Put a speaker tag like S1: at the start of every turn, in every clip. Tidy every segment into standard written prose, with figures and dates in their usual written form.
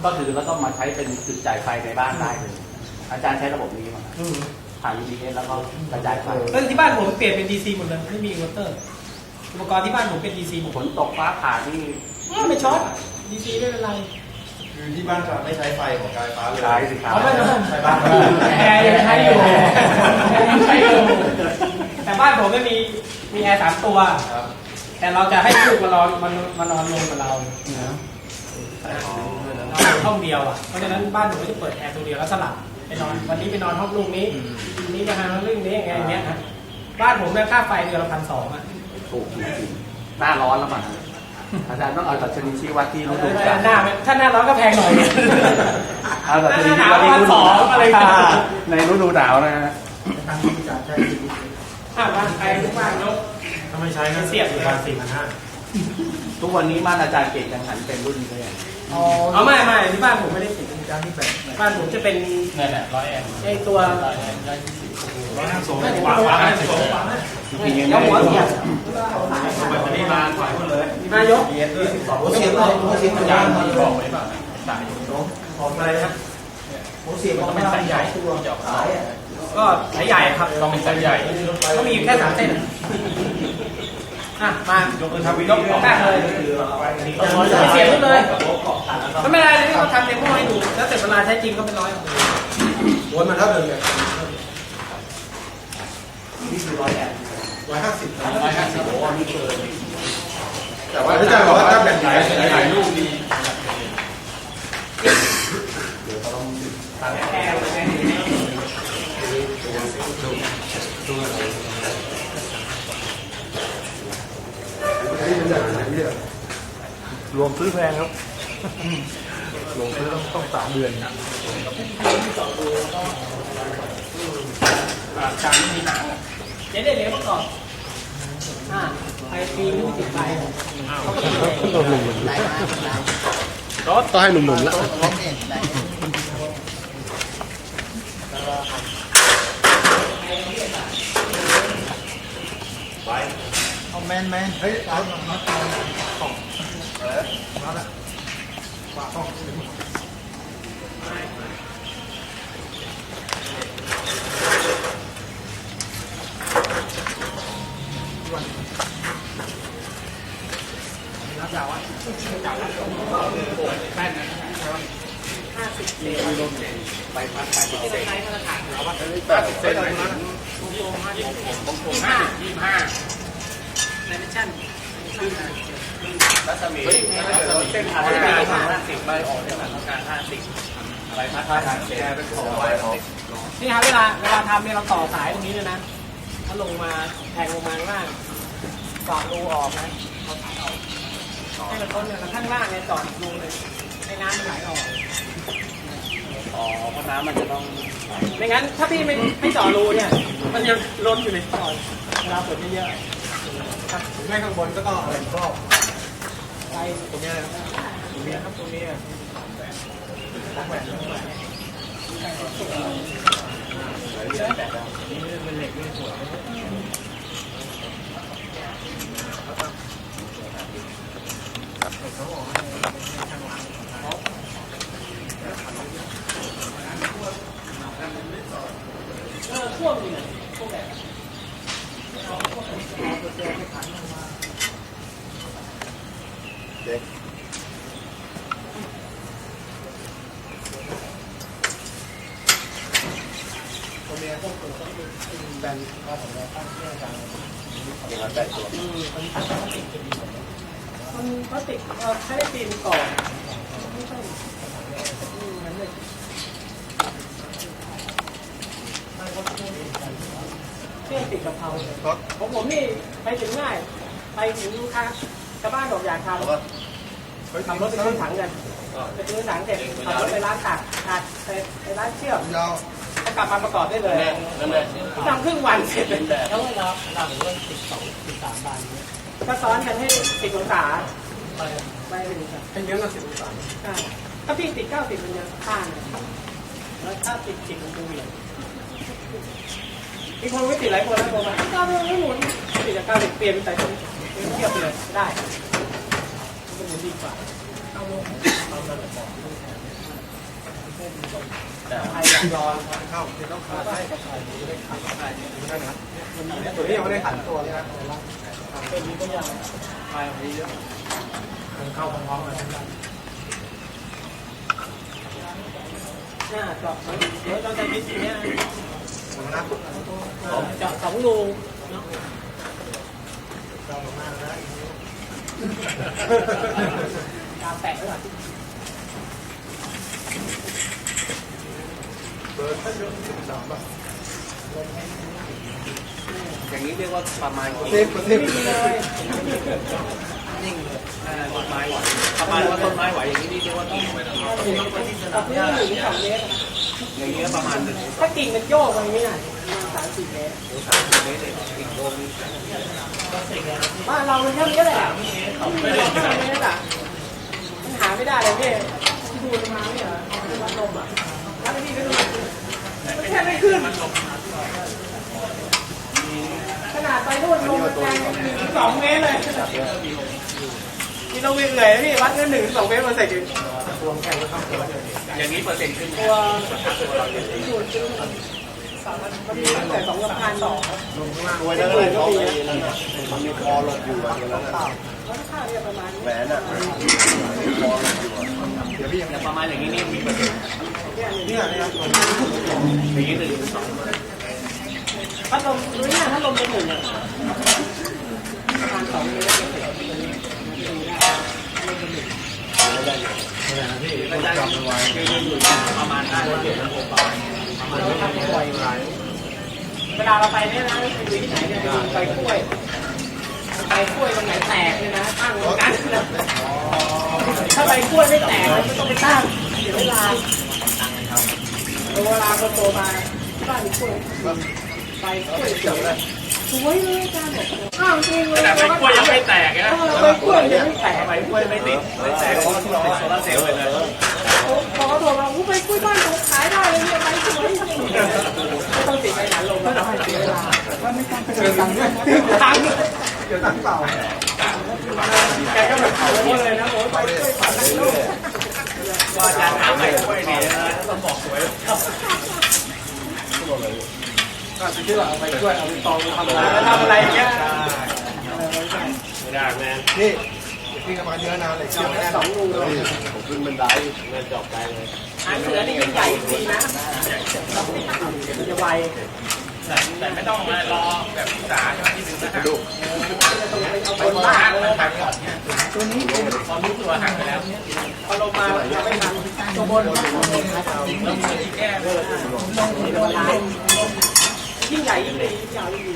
S1: ก็คือแล้วก็มาใช้เป็นจุดจ่ายไฟในบ้านได้เลยอาจารย์ใช้ระบบนี้มาผ่าน UPS แล้วก็กระจายไฟ
S2: แล้วที่บ้านผมเปลี่ยนเป็น DC หมดเลยไม่มีอินเวอร์เตอร์อุปกรณ์ที่บ้านผมเป็น DC หมด
S1: ฝนตกฟ้าผ่าที่
S2: ไม่ช็อต DC ไม่เป็นไร
S3: คือที่บ้านจะไม่ใช้ไฟของการไฟฟ้าเลย
S1: ใช้สิครับ
S3: ใช้บ้าน
S2: แอร์ยังใช้อยู่แต่บ้านผมไม่มีแอร์3 ตัวแต่เราจะให้ลูกมานอนรวมกับเราห้องเดียวอ่ะเพราะฉะนั้นบ้านผมก็จะเปิดแอร์ตัวเดียวแล้วสลับไปนอนวันนี้ไปนอนห้องลูกนี้วันนี้ไปนอนเรื่องนี้อย่างเงี้ยนะบ้านผมเนี่ยค่าไฟเดือนละ1,200อ่ะ
S1: ถูกจริงๆหน้าร้อนแล้วมั้งอาจารย์ต้องเอาดัชนีชี้วัดที่ฤดูกาล
S2: ถ้าหน้าร้อนก็แพงหน่อย
S1: เอาดัชนีชี้วัดที่ฤดูกาลอะไรในฤดูหนาวนะฮะ
S3: ทางที่จะใช้
S2: บ้านใครทุกบ้านเนาะ
S3: ถ้าไม่ใช้ก็
S2: เสียบ
S3: ประมาณ4,500
S1: ทุกวันนี้บ้านอาจารย์เก่งยังหันเป็นรุ่นนี้เลย
S2: ไม่ที่บ้านผมไม่ได้ติดเป็นจานที่แบบบ้านผมจะเป็น
S1: นี่แหละ100 แอมป์
S2: ไอตัว
S3: ขวา
S2: แล้วหัวเสียบ
S3: แบตเตอรี่มาขวาหมดเลย
S2: นายก
S3: หัวเสียบอาจารย์บอกไว้ป่ะสาย
S2: ของอะไรนะ
S3: หัวเสียบมันไม่สายใหญ่สาย
S2: ก็สายใหญ่ครับ
S3: ต้องเป็นสายใหญ่
S2: ก็มีแค่3 เส้นมาย
S3: กมือทำวิดีโอ
S2: ได้เลยเสียบเลยไม่เป็นไรที่เขาทำเดโมให้ดูแล้วเสร็จเวลาใช้จริงก็เป็น100
S3: วนมันเท่าเดิมเลย
S1: นี่คือ100 แอมป์
S3: 150โอ้นี่เกินแต่ว่า
S1: อา
S3: จารย์บอกว่าถ้าแบตไหนถ่ายรูปดี
S1: เดี๋ยวต้อง
S2: ตัดแอร์
S3: ดูรวมซื้อแพงครับรวมซื้อต้อง3 เดือน
S2: จานไม่มีหนังเดี๋ยวมาก่อนไปปีนี้ติดไป
S3: ต้องหนุ่มต้องให้หนุ่มๆแล้วเอาแมนเฮ้ยเอาของมาละฝากของ
S2: รับยาวอ่ะจับแล้วแป้นนะ50 เซน
S1: ไปพักไป
S2: ใช้มาตรฐานเอาว่า
S1: 50 เซนนะ
S2: 25ในมิชชั่น
S1: รัศมีเส้นผ่าน50ใบออกเนี่ยต้องการ50อะไรพัฒนาแกเป็นของใบออก
S2: นี่ครับเวลาทำเนี่ยเราต่อสายตรงนี้เลยนะถ้าลงมาแทงลงมาข้างล่างต่อรูออกนะเอาสายออกให้มันต้นเนี่ยข้างล่างเนี่ยจอดรูเลยให้น้ำมันไหลออก
S1: เพราะน้ำมันจะต้อง
S2: ไม่งั้นถ้าพี่ไม่เจาะรูเนี่ยมันยังล้นอยู่ในท่อเวลาฝนเยอะ
S3: ๆไม่ข้างบนก็ต้องอะไรครอบ
S2: ไปตรงนี้เลยตรงนี้ครับตรงนี้เป็นเหล็กไม่สวยช่วงนี้พวกแบบ
S3: เด็กตัวเมียพวกตัวต้องเป็นแบนข้าวของเราตั้งเชื่อกันอย่างนั้นแต่ตัว
S2: มันพลาสติกใช้ได้ปีนก่อนไม่ใช่งั้นเลยเครื่องติดกะเพราของผมนี่ไปถึงง่ายไปถึงลูกค้าชาวบ้านบอกอยากทำขับรถไปซื้อถังกันไปซื้อถังเสร็จขับรถไปร้านตัดไปร้านเชื่อมจะกลับมาประกอบได้เลยทำครึ่งวันเสร็จเลยแล้วเราหรือว่า12-13 บาทก็ซ้อนกันให้10 องศาไป
S3: เป็นเยอะกว่า10 องศา
S2: ถ้าพี่ติด90มันจะข้างแล้วถ้าติด10มันจะเหวี่ยงมีคนไม่ติดหลายคนแล้วโทรมาไม่หมุนติดจาก90เปลี่ยนเป็นสายชนเทียบเลยได้มันหมุนดีกว่าเอาลงไทยรอ
S3: เข้าที่ต้องขาดได้ตัวนี้ยังไม่ได้หันตัวเลยนะ
S2: เป็นตัวอย่าง
S1: ไปวันนี้เยอะ
S2: เข้าพร้อมๆกันหน้าเจาะเดี๋ยวเราจะยึดอย่างเงี้ยเจาะ2 รูเนาะตามแปะไว้ก่อน
S1: อย่างนี้เรียกว่าประมาณ
S3: เทปเทป
S2: เลย
S1: นิ่งเลยต้นไม้ไหวประมาณว่าต้นไม้ไหวอย่างนี้เรียกว่ากิ่งไปแล้ว
S2: ตัดนี่1 2 เมตร
S1: อย่างนี้ประมาณหนึ่ง
S2: ถ้ากิ่งมันโยกไปอย่างนี้น่ะประมาณ3-4 เมตร
S1: เมตรเลยกิ่งโดน
S2: บ้านเรามันแค่นี้แหละไม่ได้แค่นี้แหละมันหาไม่ได้เลยพี่ที่ดูมาเนี่ยวัดลมอ่ะแล้วพี่ก็ดูมันแค่ไม่ขึ้นขนาดไปนู่นลงมันแรง1-2 เมตรเลยนี่เราวิ่งเลยพี่วัดกัน1-2 เมตรมาใส่ถึง
S1: อย่างนี้เปอร์เซ็นต์ขึ้น
S2: ตัวสูตรคือมันมีตั้งแต่2,000
S3: ตัวนั้นเลยเขามันมีคอหลบอยู่อะไรนั้น
S2: แล้วค่าเนี่ยประมาณ
S3: แหวนอ่ะคอหลบอยู่เดี๋ยวพี่ยัง
S1: ประมาณอย่างนี้นี่มีเปอร์เซ็นต์
S3: เนี่ยเนี่ย
S1: อย่างนี้1-2
S2: พัดลมดูเนี่ยพัดลมเป็น1เนี่ยประมาณ2 เมตร
S1: ไม่ได้คืออยู่ประมาณ5 เดือน
S2: เราทำบ่อยเวลาเราไปเนี่ยนะไปดูที่ไหนเนี่ยไปกล้วยตรงไหนแตกเนี่ยนะตั้งตรงนั้นถ้าใบกล้วยไม่แตกไม่ต้องไปตั้งเสียเวลาเวลาคนโตมาที่บ้านมีกล้วยใบกล้วยสวยเลยสวยเลยอาจารย์บอกอ้าวจริงเลย
S1: แต่ใบกล้วยยังไม่แตกนะ
S2: ใบกล้วยยังไม่แตก
S1: ใบกล้วยไม่ติดไม่แตกเพราะเราเป็นโซลาร์เซลล์เลยนะ
S2: พอเขาโทรมาใบกล้วยบ้านผมขายได้เลยเนี่ยใบสวยจริงไม่ต้องติดไปหนลงไม่ต้องเสียเวลา
S3: เจอตังค์ด้วย
S2: ตังค์
S3: เจอตังค์เปล่า
S2: แกก็แบบเขาเลยนะโอ้ยไปช่วยฝันลูก
S1: ว่าอาจารย์ถามใบกล้วยดีนะต้องบอกสวย
S2: ก็จะชื่อเอาไปช่วยเอาไปตองทำอะไรอย่างเงี้ย
S1: ไม่ได้แม่
S3: นี่พี่กำลังเยอะนานเลยเชื่อไม่ได้
S2: 2 รูเลย
S3: ผมขึ้นบันได
S1: เงินจบไปเลย
S2: หางเสือนี่ยิ่งใหญ่จริงนะจะไว
S1: แต่ไม่ต้องมารอแบบศึกษาใช่ไหมที่ดึงนะฮะ
S3: ดู
S2: เอาไปบ้านเลย
S1: หักก่อนเนี่ยตัวนี้ตอนรู้ตัวหักไปแล้ว
S2: พอลงมาไม่ทันตัวบน
S1: แล้วมีแก้เลย
S2: ยิ่งใหญ่ยิ่งดียิ่งยาวยิ่งดี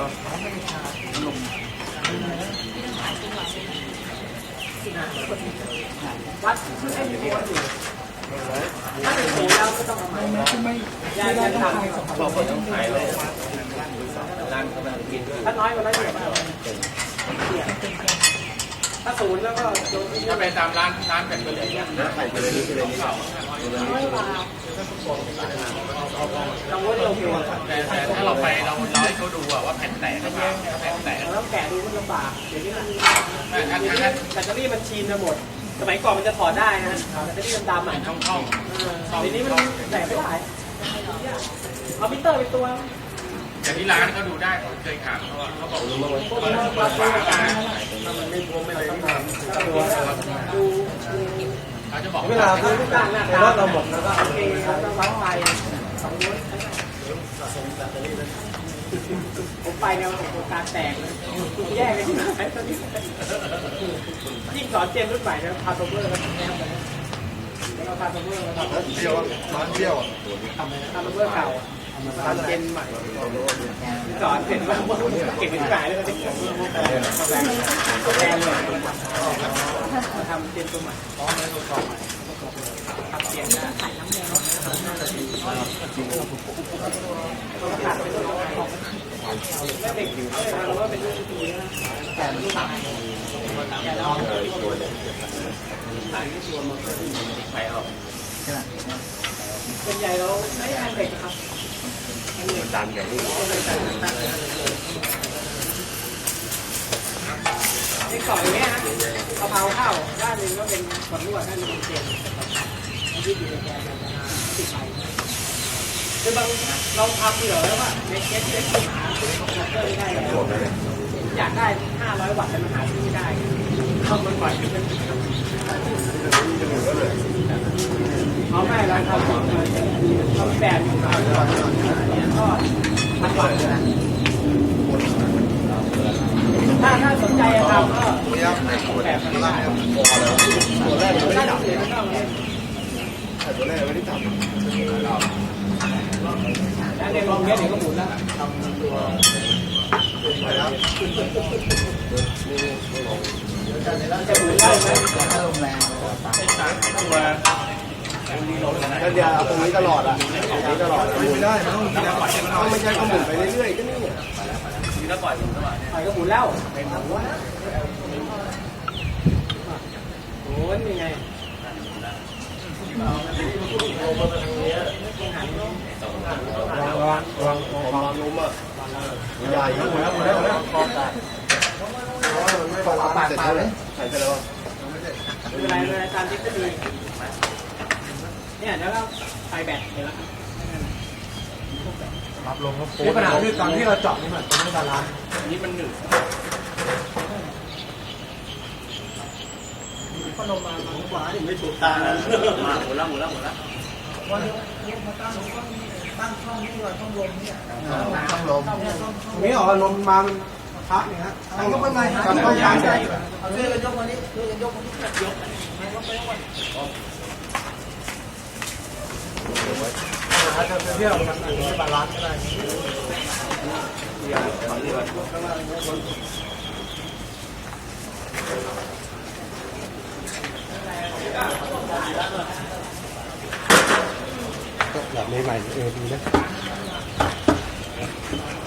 S2: วัดให้มีคนอยู่ถ้าเป็นศูนย์แล้วก็ต้องเอาใหม่ย้ายทาง
S1: บอกว่าต้องขายเลยร้านกำลังกิน
S2: ถ้าน้อยกว่านั้นเดี๋ยวถ้าศูนย์แล้วก็โดน
S1: ถ้าไปตามร้านแบบเกลือเนี่ยนะ
S3: ใส่ไปเลยนี่เลยนี่
S2: น้อยกว่าเราว่าเราเพียว
S1: แต่ถ้าเราไปเราให้เขาดูว่าแผ่นแตกหรือเปล่าแผ่นแตก
S2: แล้วแกะดูมันลำบากเดี๋ยวนี้มัน
S1: อันนั้น
S2: แบตเตอรี่มันชีนไปหมดสมัยก่อนมันจะถอดได้นะแบตเตอรี่มันดำอ่ะ
S1: ช่อง
S2: เดี๋ยวนี้มันแตกไม่ได้เอามิเตอร์ไปตัว
S1: แต่ที่ร้านเขาดูได้ผมเคยถามเขาว่าเขาบอก
S2: พวกนี้มันวัดด้วยกัน
S3: มันไม่บวมไม่อะไรต้องทำ
S2: ดู
S1: เขาจะบอก
S3: เวลา
S2: ดูทุกอย่างหน้าตาเราหมดแล้วก็โอเคแล้วก็วัดไฟ2 โวลต์ผมไปเนี่ยผมการแตกเลยแยกกันที่ไหนตอนนี้ยิ่งสอนเจนรุ่นใหม่นะพาโตเบอร์กันแนวเลยแล้วพาโตเบอร์มาทำ
S3: เที่ยวร้านเที่ยวอ่ะ
S2: พาโตเบอร์เก่าทำเจนใหม่สอนเสร็จแล้วเก็บเป็นสายเลยก็ได้แรงเลยมาทำเจนตัวใหม่ทำเจนได้ขาดไปตัวแม่เด็กอยู่เราว่าเป็นลูกที่ดีนะแต่ลูกสาวแต่เราส่วนใหญ่เราไม่ทานเด็กครับ
S3: ตามอย่างนี้
S2: ในก่อนอย่างเงี้ยนะกะเพราข้าวด้านหนึ่งก็เป็นขวดลวดด้านหนึงเป็นเจนยืดอยู่ในแกนมันจะติดไปคือบางเราทำเผื่อไว้ว่าในเคสที่ได้หาซื้อคอมพิวเตอร์ไม่ได้แล้วอยากได้500 วัตต์แต่มันหาซื้อไม่ได้ต้องมันปล่อยเป็นเอาไม่เราทำเอาแบบอยู่ก็มันก่อนถ้าสนใจจะทำก็แบบมันได้ตัวแรกไม่ได้จับตัวแรกไม่ได้จับแล้วในลองเนี้ยเดี๋ยวก็หมุนแล้วทำตัวจะหมุนได้ไหมถ้าลมแรงก็เดี๋ยวเอาตรงนี้ตลอดอ่ะตรงนี้ตลอดไม่ได้มันต้องไม่ใช่ก็หมุนไปเรื่อยๆก็นี่นี่ก็ปล่อยหมุนก็หมุนแล้วเป็นหมุนนะโอ้ยยังไงวางล้มอ่ะใหญ่หมดแล้วปากเลยใส่ไปแล้วไม่เป็นไรเลยตามที่ก็ดีเนี่ยแล้วก็ไฟแบตเห็นแล้วรับลงก็โค้ดปัญหาคือตอนที่เราเจาะนี่มันไม่บาลานซ์นี่มันหนึบพัดลมมาขวาไม่ถูกตามาหมดแล้ววันนี้มาตั้งช่องนี่ว่าช่องลมเนี่ยช่องลมนี่ออกลมมามันพักเนี่ยฮะยกไปไหนต้องการใช่เอาช่วยกันยกวันนี้ช่วยกันยกวันนี้ยกอาจจะเที่ยวมันไม่บาลานซ์ก็ได้แบบใหม่ๆดีนะ